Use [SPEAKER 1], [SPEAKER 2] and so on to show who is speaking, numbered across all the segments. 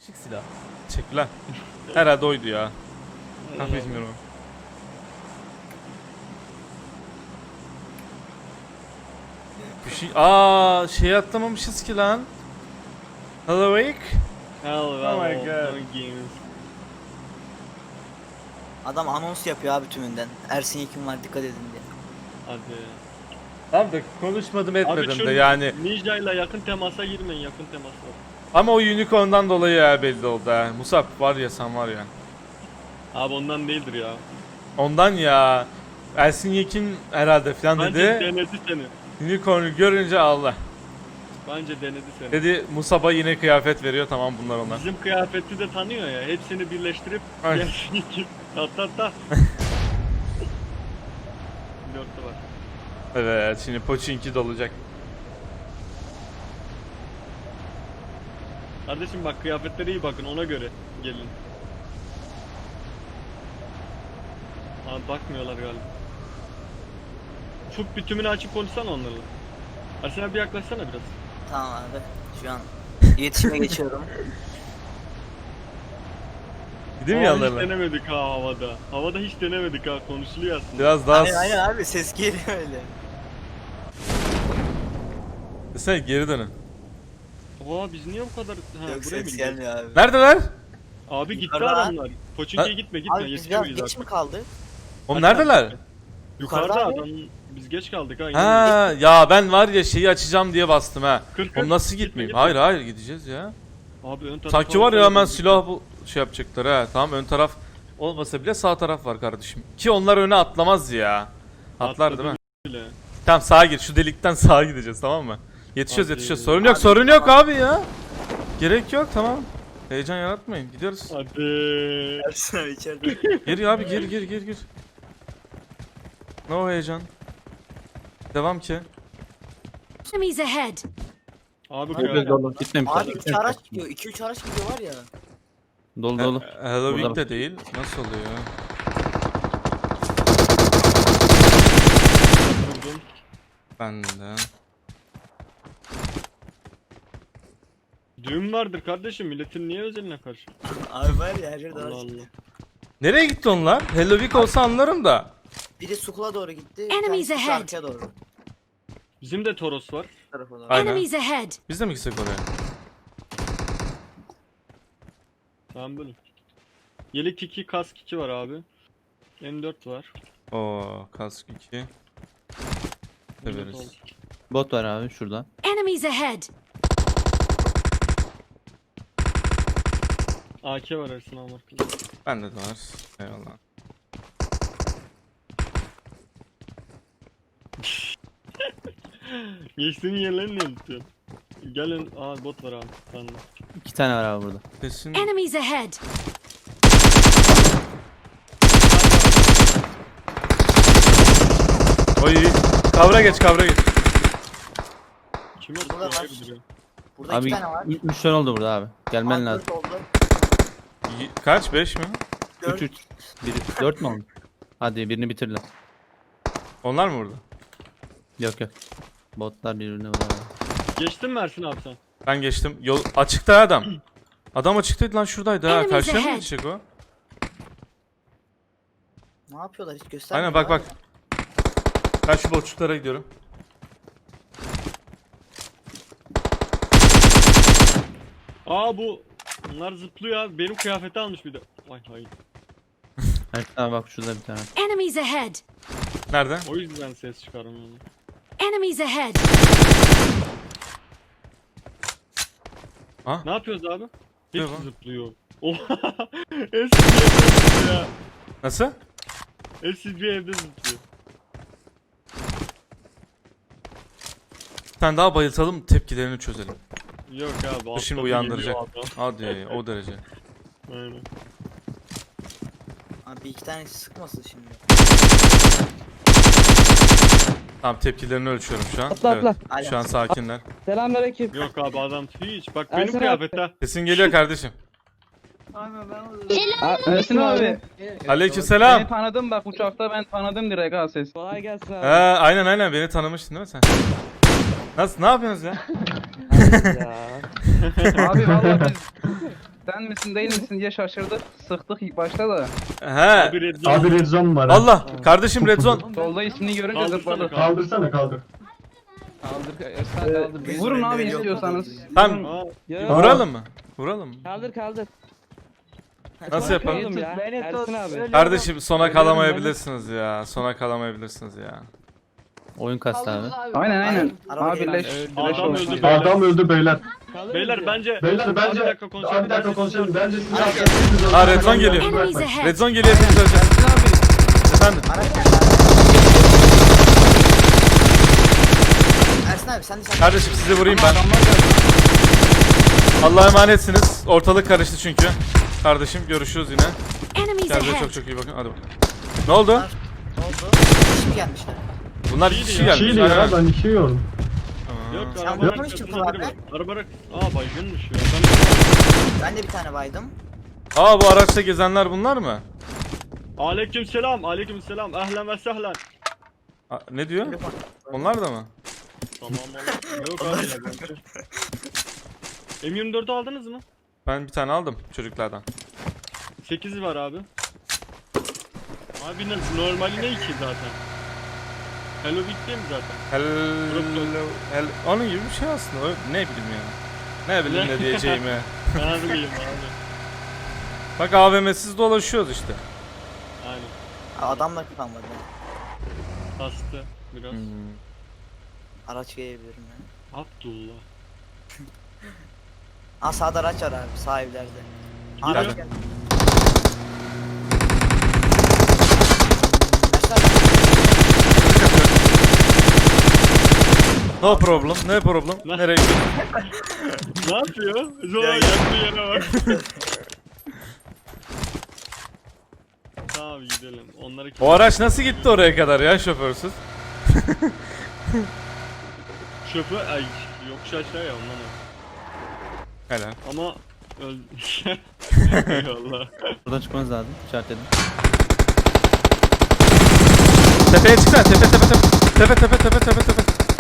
[SPEAKER 1] Şık silah. Teşekkürler. Herhalde oydu ya. Ben bilmiyorum. Bir şey atlamamışız ki lan. Hello Wake.
[SPEAKER 2] Oh
[SPEAKER 1] my God.
[SPEAKER 3] Adam anons yapıyor abi tümünden. Ersin Yekin var, dikkat edin diye.
[SPEAKER 2] Hadi.
[SPEAKER 1] Tamam da konuşmadım etmedim
[SPEAKER 2] Abi şu
[SPEAKER 1] de yani.
[SPEAKER 2] Ninja ile yakın temasa girmeyin, yakın temasa.
[SPEAKER 1] Ama o unicorn'dan dolayı ya belli oldu ha. Musab var ya, sen var ya.
[SPEAKER 2] Abi ondan değildir ya.
[SPEAKER 1] Ondan ya. Ersin Yekin herhalde falan
[SPEAKER 2] Bence
[SPEAKER 1] dedi.
[SPEAKER 2] denedi seni.
[SPEAKER 1] Unicorn'u görünce Allah.
[SPEAKER 2] Bence denedi seni.
[SPEAKER 1] Dedi Musab'a yine kıyafet veriyor, tamam bunlar onlar.
[SPEAKER 2] Bizim kıyafeti de tanıyor ya. Hepsini birleştirip
[SPEAKER 1] Ay.
[SPEAKER 2] gelsin iki. Hatta. Dörtte var.
[SPEAKER 1] Evet, şimdi Pochinki dolacak.
[SPEAKER 2] Kardeşim bak, kıyafetlere iyi bakın, ona göre gelin. Abi bakmıyorlar galiba. Ufuk, bir tümünü açıp konuşsana onlarla. Ersin abi yaklaşsana biraz.
[SPEAKER 3] Tamam abi. Şu an iletişime geçiyorum.
[SPEAKER 1] Gideyim mi
[SPEAKER 2] Hiç
[SPEAKER 1] yanlarına?
[SPEAKER 2] denemedik ha havada. Havada hiç denemedik ha, konuşuluyor aslında.
[SPEAKER 1] Biraz daha...
[SPEAKER 3] Aynen abi, ses geliyor öyle.
[SPEAKER 1] Sen geri dönün.
[SPEAKER 2] Oha, biz niye bu kadar... Ha,
[SPEAKER 3] Yok,
[SPEAKER 2] buraya mı
[SPEAKER 3] ses
[SPEAKER 2] gidiyoruz?
[SPEAKER 3] gelmiyor abi.
[SPEAKER 1] Neredeler?
[SPEAKER 2] Abi gitti
[SPEAKER 3] Yukarıda.
[SPEAKER 2] adamlar. Koçinki'ye gitme
[SPEAKER 3] Abi biz biraz
[SPEAKER 2] yetişemeyiz
[SPEAKER 3] geç
[SPEAKER 2] artık.
[SPEAKER 3] mi kaldık?
[SPEAKER 1] Oğlum
[SPEAKER 2] Hadi
[SPEAKER 1] neredeler?
[SPEAKER 2] abi. Yukarıda
[SPEAKER 3] Yukarıda abi.
[SPEAKER 2] adam, biz geç kaldık ha.
[SPEAKER 1] Ha ya, ben var ya şeyi açacağım diye bastım ha.
[SPEAKER 2] Kırk,
[SPEAKER 1] Oğlum nasıl
[SPEAKER 2] gitme,
[SPEAKER 1] gitmeyeyim?
[SPEAKER 2] gitme.
[SPEAKER 1] Hayır hayır, gideceğiz ya.
[SPEAKER 2] Abi ön tarafa...
[SPEAKER 1] Sanki var ya, hemen silah bu şey yapacaklar ha. Tamam, ön taraf olmasa bile sağ taraf var kardeşim. Ki onlar öne atlamaz ya. Atlar
[SPEAKER 2] Atladı
[SPEAKER 1] değil mi?
[SPEAKER 2] bile.
[SPEAKER 1] Tamam, sağa gir, şu delikten sağa gideceğiz, tamam mı? Yetişiyoruz
[SPEAKER 2] Hadi.
[SPEAKER 1] yetişiyoruz, sorun yok
[SPEAKER 3] Abi,
[SPEAKER 1] sorun yok
[SPEAKER 3] tamam.
[SPEAKER 1] abi ya. Gerek yok, tamam. Heyecan yaratmayın, gidiyoruz.
[SPEAKER 2] Hadi.
[SPEAKER 3] Ersin abi içeride.
[SPEAKER 1] Gir abi, gir. No heyecan. Devam ki.
[SPEAKER 4] Enemies ahead.
[SPEAKER 2] Abi
[SPEAKER 3] Abi,
[SPEAKER 2] kıyafet.
[SPEAKER 5] Dolu gitmemişler.
[SPEAKER 3] Abi 3 araç gidiyor. 2-3 araç gidiyor var ya.
[SPEAKER 5] Dolu dolu.
[SPEAKER 1] Halloween
[SPEAKER 5] Burada
[SPEAKER 1] de değil. Nasıl oluyor?
[SPEAKER 2] Vurdum.
[SPEAKER 1] Ben de.
[SPEAKER 2] Düğün vardır kardeşim, milletin niye özeline karşı?
[SPEAKER 3] Abi var ya, her yerde
[SPEAKER 2] Allah
[SPEAKER 3] araç
[SPEAKER 2] Allah.
[SPEAKER 3] gidiyor.
[SPEAKER 1] Nereye gitti onlar? Halloween olsa anlarım da.
[SPEAKER 3] Biri Sukula doğru gitti.
[SPEAKER 4] Enemies
[SPEAKER 3] Bir tanesi
[SPEAKER 4] ahead.
[SPEAKER 3] arkaya doğru.
[SPEAKER 2] Bizim de Toros var.
[SPEAKER 3] Bu tarafa doğru.
[SPEAKER 1] Aynen.
[SPEAKER 4] Enemies ahead.
[SPEAKER 1] Biz de mi gitsek oraya?
[SPEAKER 2] Tamam böyle. Yelek 2, kask 2 var abi. M4 var.
[SPEAKER 1] Oo, kask 2.
[SPEAKER 2] M4
[SPEAKER 1] Severiz.
[SPEAKER 2] oldu.
[SPEAKER 5] Bot var abi şurada.
[SPEAKER 4] Enemies ahead.
[SPEAKER 2] AK var Ersin abi arkada.
[SPEAKER 1] Bende de var. Eyvallah.
[SPEAKER 2] Geçtiğin yerlerini ne tutuyorsun? Gelin, aa bot var abi. Sen de.
[SPEAKER 5] 2 tane var abi burada.
[SPEAKER 1] Kesin.
[SPEAKER 4] Enemies ahead.
[SPEAKER 1] Oy. Kavra geç.
[SPEAKER 2] Kim yok?
[SPEAKER 3] Burada var.
[SPEAKER 2] Duruyor.
[SPEAKER 3] Burada
[SPEAKER 5] Abi
[SPEAKER 3] 2 tane var.
[SPEAKER 5] 3 tane oldu burada abi. Gelmen
[SPEAKER 3] Abi,
[SPEAKER 5] lazım.
[SPEAKER 3] dört oldu.
[SPEAKER 1] Kaç? 5 mi?
[SPEAKER 3] 4.
[SPEAKER 5] 3 4 mü oldu? Hadi birini bitirle.
[SPEAKER 1] Onlar mı burada?
[SPEAKER 5] Yok. Botlar birbirine vuruyor.
[SPEAKER 2] Geçtin mi Ersin abi sen?
[SPEAKER 1] Ben geçtim. Yol açıkta adam. Adam açıktaydı lan, şuradaydı ha.
[SPEAKER 4] Enemies
[SPEAKER 1] Karşıya mı
[SPEAKER 4] ahead.
[SPEAKER 1] geçecek o?
[SPEAKER 3] Ne yapıyorlar, hiç göstermiyor.
[SPEAKER 1] Aynen, bak. Ben şu boçluklara gidiyorum.
[SPEAKER 2] Aa bu. Bunlar zıplıyor abi. Benim kıyafeti almış bir de. Vay hayır.
[SPEAKER 5] Evet abi bak şurada bir tane.
[SPEAKER 4] Enemies ahead.
[SPEAKER 1] Nerede?
[SPEAKER 2] O yüzden ses çıkarmıyorum.
[SPEAKER 4] Enemies ahead.
[SPEAKER 2] Ne yapıyoruz abi?
[SPEAKER 1] Ne
[SPEAKER 2] Hepsi
[SPEAKER 1] bu?
[SPEAKER 2] zıplıyor. Oha. Hepsi bir evde zıplıyor ya.
[SPEAKER 1] Nasıl?
[SPEAKER 2] Hepsi bir evde zıplıyor.
[SPEAKER 1] Bir tane daha bayıltalım, tepkilerini çözelim.
[SPEAKER 2] Yok abi.
[SPEAKER 1] Bu şimdi
[SPEAKER 2] atladı,
[SPEAKER 1] uyandıracak.
[SPEAKER 2] geliyor adam.
[SPEAKER 1] Hadi o derece.
[SPEAKER 2] Aynen.
[SPEAKER 3] Abi 2 tanesi sıkmasın şimdi.
[SPEAKER 1] Tamam, tepkilerini ölçüyorum şu an.
[SPEAKER 6] Atla, atla.
[SPEAKER 1] Evet, şu an sakinler.
[SPEAKER 6] Selamünaleyküm.
[SPEAKER 2] Yok abi adam hiç. Bak
[SPEAKER 6] Ersin
[SPEAKER 2] benim
[SPEAKER 6] abi.
[SPEAKER 2] kıyafette.
[SPEAKER 1] Sesin geliyor kardeşim.
[SPEAKER 6] Ersin abi.
[SPEAKER 1] Aleykümselam.
[SPEAKER 6] Beni tanıdım bak, uçakta ben tanıdım direkt ha ses. Kolay gelsin abi.
[SPEAKER 1] Aynen beni tanımıştın değil mi sen? Nasıl, ne yapıyorsunuz ya?
[SPEAKER 6] Ya. Abi vallahi biz Sen misin değil misin diye şaşırdık. Sıktık ilk başta da.
[SPEAKER 1] He.
[SPEAKER 2] Abi red zone.
[SPEAKER 7] Abi red zone var. ha.
[SPEAKER 1] Allah kardeşim red zone.
[SPEAKER 6] Solda ismini görünce
[SPEAKER 2] Kaldırsana
[SPEAKER 6] zıpladık.
[SPEAKER 2] kanka.
[SPEAKER 7] Kaldırsana kaldır.
[SPEAKER 6] Kaldır Ersan kaldır. Vurun abi istiyorsanız.
[SPEAKER 1] Tamam.
[SPEAKER 2] Aa,
[SPEAKER 1] Vuralım mı? Vuralım mı?
[SPEAKER 8] Kaldır.
[SPEAKER 1] Nasıl yapalım?
[SPEAKER 8] Oğlum ya. Ersin abi.
[SPEAKER 1] Kardeşim sona kalamayabilirsiniz ya. Sona kalamayabilirsiniz ya.
[SPEAKER 5] Oyun kastı abi.
[SPEAKER 6] Aynen.
[SPEAKER 3] Araba
[SPEAKER 6] Abi
[SPEAKER 3] geliyor.
[SPEAKER 6] leş.
[SPEAKER 2] Adam
[SPEAKER 6] Leş olmuş.
[SPEAKER 2] öldü beyler.
[SPEAKER 7] Adam öldü beyler.
[SPEAKER 2] Beyler bence
[SPEAKER 7] Beyler bence.
[SPEAKER 2] bir dakika konuşalım.
[SPEAKER 7] Bir dakika konuşalım. Bence siz
[SPEAKER 1] Aa, red zone geliyor.
[SPEAKER 4] Enemies ahead.
[SPEAKER 1] Red zone geliyor hepimiz öleceğiz. Efendim.
[SPEAKER 3] Araç geldi abi. Ersin abi sen de sen.
[SPEAKER 1] Kardeşim sizi vurayım ben. Allah'a emanetsiniz. Ortalık karıştı çünkü. Kardeşim görüşürüz yine.
[SPEAKER 4] Enemies
[SPEAKER 1] Kendinize
[SPEAKER 4] ahead.
[SPEAKER 1] çok çok iyi bakın. Hadi bakalım. Ne oldu?
[SPEAKER 3] Ne oldu? Şimdi gelmişler.
[SPEAKER 1] Bunlar iki kişi gelmiş.
[SPEAKER 7] Çiğdi ya ben iki yordum.
[SPEAKER 1] Tamam.
[SPEAKER 2] Yok
[SPEAKER 3] Sen
[SPEAKER 2] arabanın
[SPEAKER 3] vurmamış
[SPEAKER 2] arkasında
[SPEAKER 3] çıktın
[SPEAKER 2] biri
[SPEAKER 3] abi.
[SPEAKER 2] var. Araba baygınmış ya.
[SPEAKER 3] Ben de bir tane baydım.
[SPEAKER 1] Aa bu araçta gezenler bunlar mı?
[SPEAKER 2] Aleykümselam. Aleykümselam. Ehlen ve sehlen.
[SPEAKER 1] Aa, ne diyor? Onlar da mı?
[SPEAKER 2] Tamam oğlum. Yok abi ya. M24'ü aldınız mı?
[SPEAKER 1] Ben bir tane aldım çocuklardan.
[SPEAKER 2] 8 var abi. Abi normali ne 2 zaten? Hello Big değil mi zaten?
[SPEAKER 1] Hello. Onun gibi bir şey aslında. Ne bileyim yani. Ne bileyim ne diyeceğimi.
[SPEAKER 2] Ne bileyim abi.
[SPEAKER 1] Bak AVM'siz dolaşıyoruz işte.
[SPEAKER 2] Aynen.
[SPEAKER 3] Adamla kalmadı.
[SPEAKER 2] Hastı biraz.
[SPEAKER 3] Araç gelebilirim yani.
[SPEAKER 2] Abdullah.
[SPEAKER 3] Aa sağda araç var abi. Sağ evlerde. Aa,
[SPEAKER 2] Gidiyor.
[SPEAKER 3] araç geldi. Ersin abi.
[SPEAKER 1] No problem. Ne problem? Nereye gidiyorsun?
[SPEAKER 2] Ne yapıyor? Zora yaktığı yere bak. Tamam gidelim. Onları
[SPEAKER 1] O araç nasıl gitti oraya kadar ya şoförsüz?
[SPEAKER 2] şoför ay yokuş aşağı ya ondan o.
[SPEAKER 1] Helal.
[SPEAKER 2] Ama öldü. Eyvallah.
[SPEAKER 5] Buradan çıkmanız lazım. İşaretledim.
[SPEAKER 1] Tepeye çıksana. Tepe.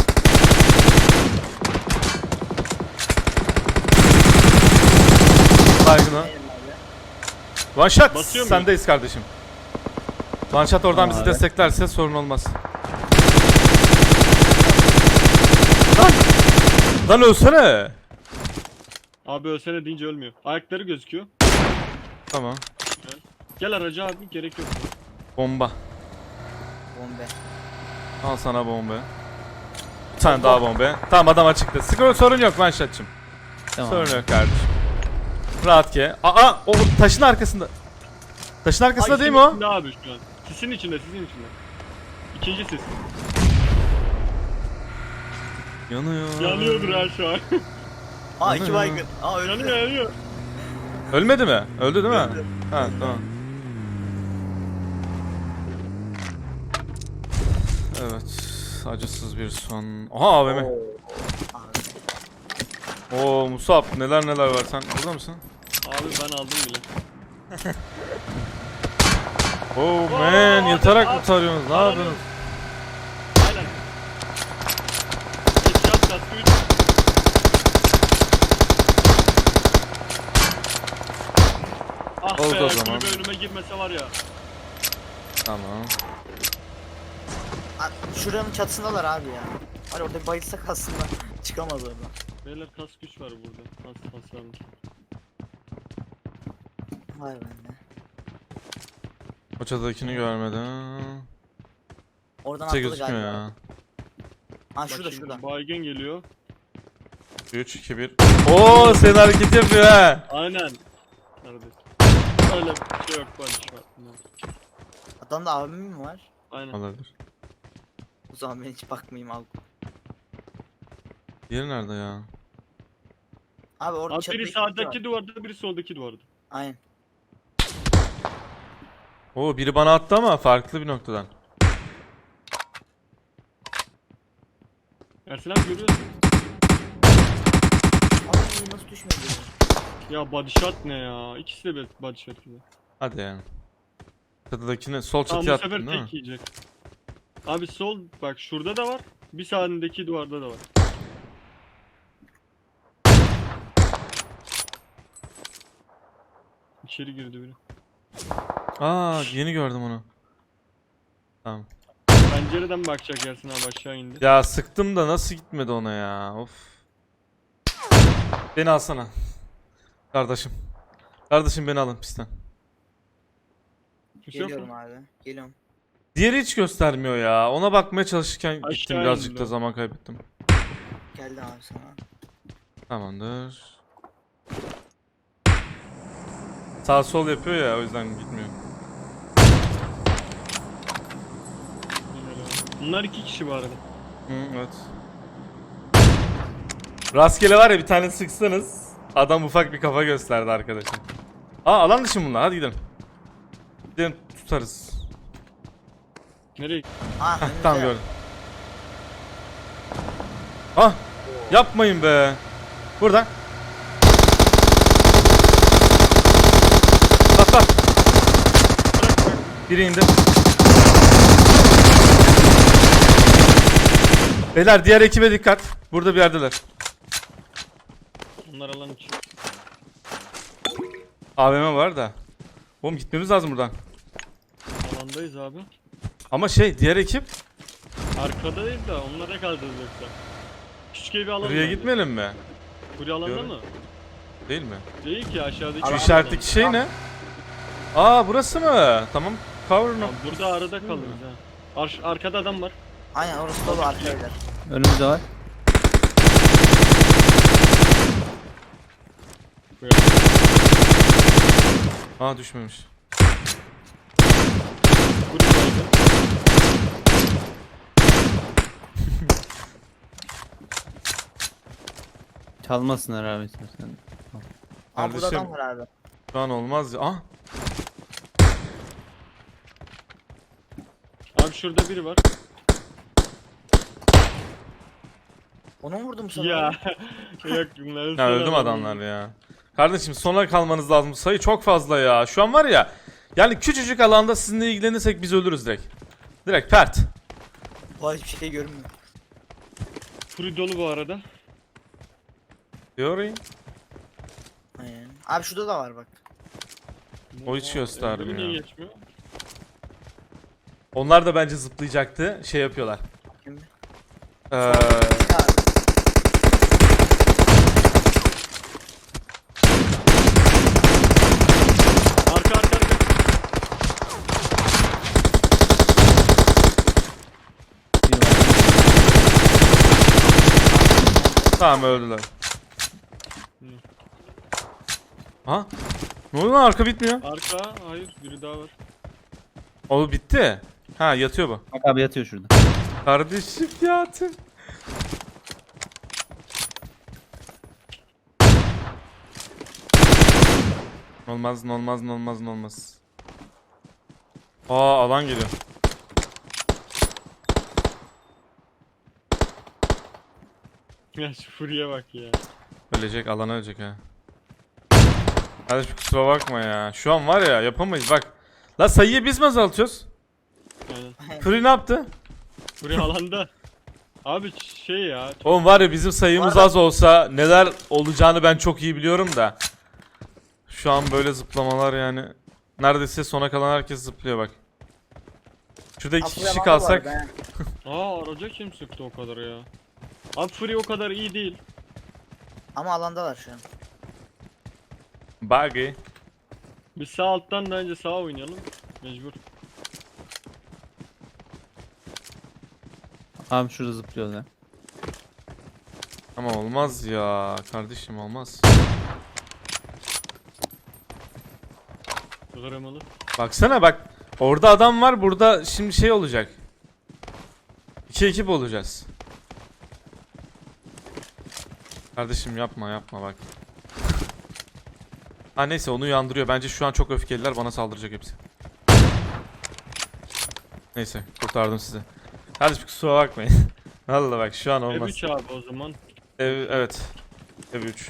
[SPEAKER 1] Baygın o. One shot.
[SPEAKER 2] Basıyor muyum?
[SPEAKER 1] Sendeyiz kardeşim. One shot oradan
[SPEAKER 5] Tamam
[SPEAKER 1] bizi
[SPEAKER 5] abi.
[SPEAKER 1] desteklerse sorun olmaz. Lan ölsene.
[SPEAKER 2] Abi ölsene deyince ölmüyor. Ayakları gözüküyor.
[SPEAKER 1] Tamam.
[SPEAKER 2] Gel aracı abi gerek yok.
[SPEAKER 1] Bomba.
[SPEAKER 3] Bombe.
[SPEAKER 1] Al sana bomba. Bir tane daha bomba. Tamam adam açıkta. Sorun yok one shot'cım.
[SPEAKER 5] Tamam.
[SPEAKER 1] Sorun yok kardeşim. Rahat ke. Aa o taşın arkasında. Taşın arkasında değil mi o?
[SPEAKER 2] İçinde abi şu an. Sisin içinde. İkinci sis.
[SPEAKER 1] Yanıyor.
[SPEAKER 2] Yanıyordur ha şu an.
[SPEAKER 3] Aa iki baygın. Aa öldü.
[SPEAKER 2] yanıyor.
[SPEAKER 1] Ölmedi mi? Öldü değil mi? Ha tamam. Evet. Acısız bir son. Aha AVM.
[SPEAKER 3] Abi.
[SPEAKER 1] Oo Musab neler var sen burada mısın?
[SPEAKER 2] Abi ben aldım bile.
[SPEAKER 1] Oh man
[SPEAKER 2] Oo,
[SPEAKER 1] yatarak
[SPEAKER 2] abi,
[SPEAKER 1] mı tarıyorsunuz? Ne
[SPEAKER 2] abi.
[SPEAKER 1] yapıyorsunuz?
[SPEAKER 2] Aynen. Headshot kaskı 3. Ah
[SPEAKER 1] Oldu
[SPEAKER 2] be,
[SPEAKER 1] o zaman.
[SPEAKER 2] kulübe önüme girmese var ya.
[SPEAKER 1] Tamam.
[SPEAKER 3] Aa, şuranın çatısındalar abi ya. Hani orada bayılsak aslında çıkamaz oradan.
[SPEAKER 2] Beyler kask 3 var burada. Hasarmış.
[SPEAKER 3] Vay bende.
[SPEAKER 1] O çatıdakini görmedim.
[SPEAKER 3] Oradan
[SPEAKER 1] Kimse
[SPEAKER 3] atladı
[SPEAKER 1] gözükmüyor
[SPEAKER 3] galiba.
[SPEAKER 1] ya.
[SPEAKER 3] Aa
[SPEAKER 2] Bak
[SPEAKER 3] şurada
[SPEAKER 2] şimdi
[SPEAKER 3] şurada.
[SPEAKER 2] baygın geliyor.
[SPEAKER 1] 3, 2, 1. Oo senin hareket yapıyor ha.
[SPEAKER 2] Aynen. Neredesin? Öyle bir şey yok bak şu an.
[SPEAKER 3] Adamda abim mi var?
[SPEAKER 2] Aynen.
[SPEAKER 1] Olabilir.
[SPEAKER 3] O zaman ben hiç bakmayayım abi.
[SPEAKER 1] Diğeri nerede ya?
[SPEAKER 3] Abi orada
[SPEAKER 2] Abi
[SPEAKER 3] çatıda
[SPEAKER 2] biri
[SPEAKER 3] iki var.
[SPEAKER 2] sağdaki duvarda biri soldaki duvarda.
[SPEAKER 3] Aynen.
[SPEAKER 1] Oo biri bana attı ama farklı bir noktadan.
[SPEAKER 2] Ersin abi görüyor musun?
[SPEAKER 3] Abi nasıl düşmedi?
[SPEAKER 2] Ya body shot ne ya? İkisi de bir body shot gibi.
[SPEAKER 1] Hadi yani. Çatıdakini sol
[SPEAKER 2] Tamam
[SPEAKER 1] çatıya
[SPEAKER 2] bu sefer
[SPEAKER 1] attın değil mi?
[SPEAKER 2] tek yiyecek. Abi sol bak şurada da var. Bir sağındaki duvarda da var. İçeri girdi biri.
[SPEAKER 1] Aa yeni gördüm onu. Tamam.
[SPEAKER 2] Pencereden bakacak Yasin abi, aşağı indi.
[SPEAKER 1] Ya sıktım da nasıl gitmedi ona ya? Of. Beni alsana. Kardeşim. Kardeşim beni alın pistten.
[SPEAKER 2] Kimse yok
[SPEAKER 3] Geliyorum
[SPEAKER 2] mu?
[SPEAKER 3] abi. Geliyorum.
[SPEAKER 1] Diğeri hiç göstermiyor ya. Ona bakmaya çalışırken gittim,
[SPEAKER 2] Aşağı
[SPEAKER 1] birazcık
[SPEAKER 2] indi
[SPEAKER 1] da
[SPEAKER 2] o.
[SPEAKER 1] zaman kaybettim.
[SPEAKER 3] Geldi abi sana.
[SPEAKER 1] Tamamdır. Sağ sol yapıyor ya, o yüzden gitmiyor.
[SPEAKER 2] Bunlar 2 kişi bu arada.
[SPEAKER 1] Hı, evet. Rastgele var ya, bir tane sıksanız adam ufak bir kafa gösterdi arkadaşım. Aa alan dışı mı bunlar? Hadi gidelim. Gidelim tutarız.
[SPEAKER 2] Nereye?
[SPEAKER 3] Ah
[SPEAKER 1] Heh,
[SPEAKER 3] önümüzde.
[SPEAKER 1] tamam gördüm. Ah yapmayın be. Burada. Bak bak. Biri indi. Beyler diğer ekibe dikkat. Burada bir yerdeler.
[SPEAKER 2] Onlar alan içi.
[SPEAKER 1] AVM var da. Oğlum gitmemiz lazım buradan.
[SPEAKER 2] Alandayız abi.
[SPEAKER 1] Ama şey diğer ekip
[SPEAKER 2] Arkada değil de onlara kaldırız yoksa. Küçük evi alalım.
[SPEAKER 1] buraya
[SPEAKER 2] bence.
[SPEAKER 1] gitmeyelim mi?
[SPEAKER 2] Buraya alanda
[SPEAKER 1] Diyorum.
[SPEAKER 2] mı?
[SPEAKER 1] Değil mi?
[SPEAKER 2] Değil ki, aşağıdaki.
[SPEAKER 1] Şu
[SPEAKER 3] Alan-
[SPEAKER 1] işaretteki şey ne? Aa burası mı? Tamam. Cover no.
[SPEAKER 2] Abi burada arada kalırız ha. Arkada adam var.
[SPEAKER 3] Aynen orası dolu arka evler.
[SPEAKER 5] Önümüzde var.
[SPEAKER 1] Aa düşmemiş.
[SPEAKER 2] Burada kaldı.
[SPEAKER 5] Çalmasınlar abi istersen.
[SPEAKER 3] Aa burada
[SPEAKER 1] Kardeşim.
[SPEAKER 3] adam var abi.
[SPEAKER 1] Şu an olmaz ya. Ah.
[SPEAKER 2] Abi şurada biri var.
[SPEAKER 3] Onu mu vurdum sana?
[SPEAKER 2] Ya. Yok bunlar.
[SPEAKER 1] Ya öldüm adamlar ya. Kardeşim sona kalmanız lazım. Sayı çok fazla ya. Şu an var ya. Yani küçücük alanda sizinle ilgilenirsek biz ölürüz direkt. Direkt pert.
[SPEAKER 3] Bu hiçbir şey görünmüyor.
[SPEAKER 2] Furi dolu bu arada.
[SPEAKER 1] Diyorum.
[SPEAKER 3] Aynen. Abi şurada da var bak.
[SPEAKER 1] O hiç göstermiyor.
[SPEAKER 2] Niye geçmiyor?
[SPEAKER 1] Onlar da bence zıplayacaktı. Şey yapıyorlar.
[SPEAKER 3] Şimdi.
[SPEAKER 1] Eee
[SPEAKER 3] Ya,
[SPEAKER 2] Arka.
[SPEAKER 5] Bir var.
[SPEAKER 1] tamam öldüler. Ha? Ne oluyor lan, arka bitmiyor.
[SPEAKER 2] Arka. Hayır, biri daha var.
[SPEAKER 1] O bitti. Ha yatıyor bu.
[SPEAKER 5] Bak abi yatıyor şurada.
[SPEAKER 1] Kardeşim yatın. Olmaz. Aa alan geliyor.
[SPEAKER 2] Ya şu Furi'ye bak ya.
[SPEAKER 1] Ölecek, alana ölecek ha. Kardeşim kusura bakma ya. Şu an var ya yapamayız bak. La sayıyı biz mi azaltıyoruz?
[SPEAKER 2] Aynen.
[SPEAKER 1] Fury ne yaptı?
[SPEAKER 2] Furi alanda. Abi şey ya.
[SPEAKER 1] Oğlum var ya bizim sayımız
[SPEAKER 3] Var ya-
[SPEAKER 1] az olsa neler olacağını ben çok iyi biliyorum da. Şu an böyle zıplamalar yani. Neredeyse sona kalan herkes zıplıyor bak. Şurada iki
[SPEAKER 3] Atlayan
[SPEAKER 1] kişi
[SPEAKER 3] var
[SPEAKER 1] kalsak.
[SPEAKER 3] bu arada, he.
[SPEAKER 2] Araca kim sıktı o kadar ya? Abi Furi o kadar iyi değil.
[SPEAKER 3] Ama alandalar şu an.
[SPEAKER 1] Buggy.
[SPEAKER 2] Biz sağ alttan da önce sağa oynayalım. Mecbur.
[SPEAKER 5] Abi şurada zıplıyorlar.
[SPEAKER 1] Ama olmaz ya kardeşim, olmaz.
[SPEAKER 2] Kıramalı.
[SPEAKER 1] Baksana bak. Orada adam var, burada şimdi şey olacak. İki ekip olacağız. Kardeşim yapma bak. Ha neyse onu uyandırıyor. Bence şu an çok öfkeliler, bana saldıracak hepsi. Neyse kurtardım sizi. Kardeşim kusura bakmayın. Vallahi bak şu an olmaz.
[SPEAKER 2] Ev 3 abi o zaman.
[SPEAKER 1] Evet. Ev 3.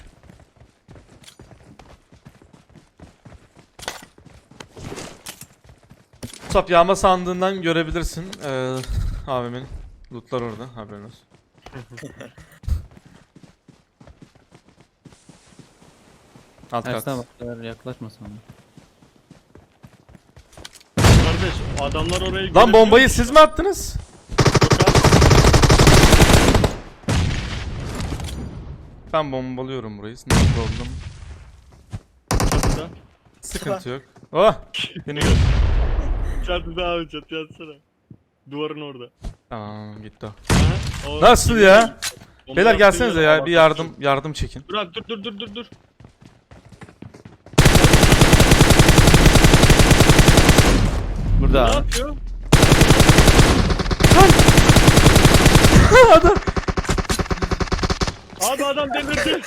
[SPEAKER 1] Top yağma sandığından görebilirsin. Abimin lootlar orada, haberin olsun. Alt kat.
[SPEAKER 5] Ersin abi yaklaşma sana.
[SPEAKER 2] Kardeş adamlar orayı
[SPEAKER 1] Lan bombayı
[SPEAKER 2] görebiliyor
[SPEAKER 1] siz
[SPEAKER 2] mu?
[SPEAKER 1] mi attınız?
[SPEAKER 2] Yok abi.
[SPEAKER 1] Ben bombalıyorum burayı. Ne problem?
[SPEAKER 2] Çatıda.
[SPEAKER 1] Sıkıntı yok. Oh! Beni gör.
[SPEAKER 2] Çatıda abi çatıya atsana. Duvarın orada.
[SPEAKER 1] Tamam gitti o.
[SPEAKER 2] Aha, o
[SPEAKER 1] Nasıl
[SPEAKER 2] gibi
[SPEAKER 1] ya?
[SPEAKER 2] bomba
[SPEAKER 1] Beyler
[SPEAKER 2] attığı
[SPEAKER 1] gelsenize
[SPEAKER 2] yere
[SPEAKER 1] ya bir
[SPEAKER 2] bak.
[SPEAKER 1] yardım çekin.
[SPEAKER 2] Dur abi dur.
[SPEAKER 5] Burada
[SPEAKER 2] Ne
[SPEAKER 5] abi.
[SPEAKER 2] yapıyor?
[SPEAKER 1] Adam.
[SPEAKER 2] Abi adam delirdi.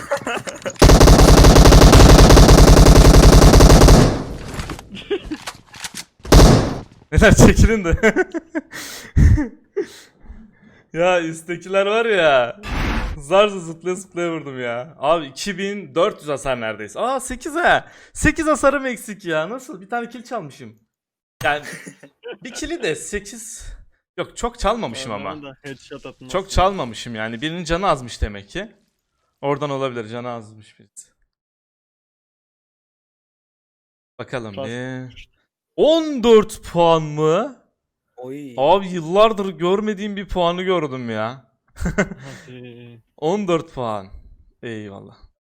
[SPEAKER 1] Beyler çekilin de. Ya üsttekiler var ya. Zarca zıplaya vurdum ya. Abi 2400 hasar neredeyse. Aa 8 ha. 8 hasarım eksik ya. Nasıl? Bir tane kill çalmışım. Yani bir kill'i de 8. Yok çok çalmamışım ama.
[SPEAKER 2] Adamın da headshot atması.
[SPEAKER 1] Çok çalmamışım yani. Birinin canı azmış demek ki. Oradan olabilir. Canı azmış birisi. Bakalım
[SPEAKER 2] Kas-
[SPEAKER 1] bir. 14 puan mı?
[SPEAKER 3] Oy.
[SPEAKER 1] Abi yıllardır görmediğim bir puanı gördüm ya.
[SPEAKER 2] Hadi.
[SPEAKER 1] 14 puan. Eyvallah.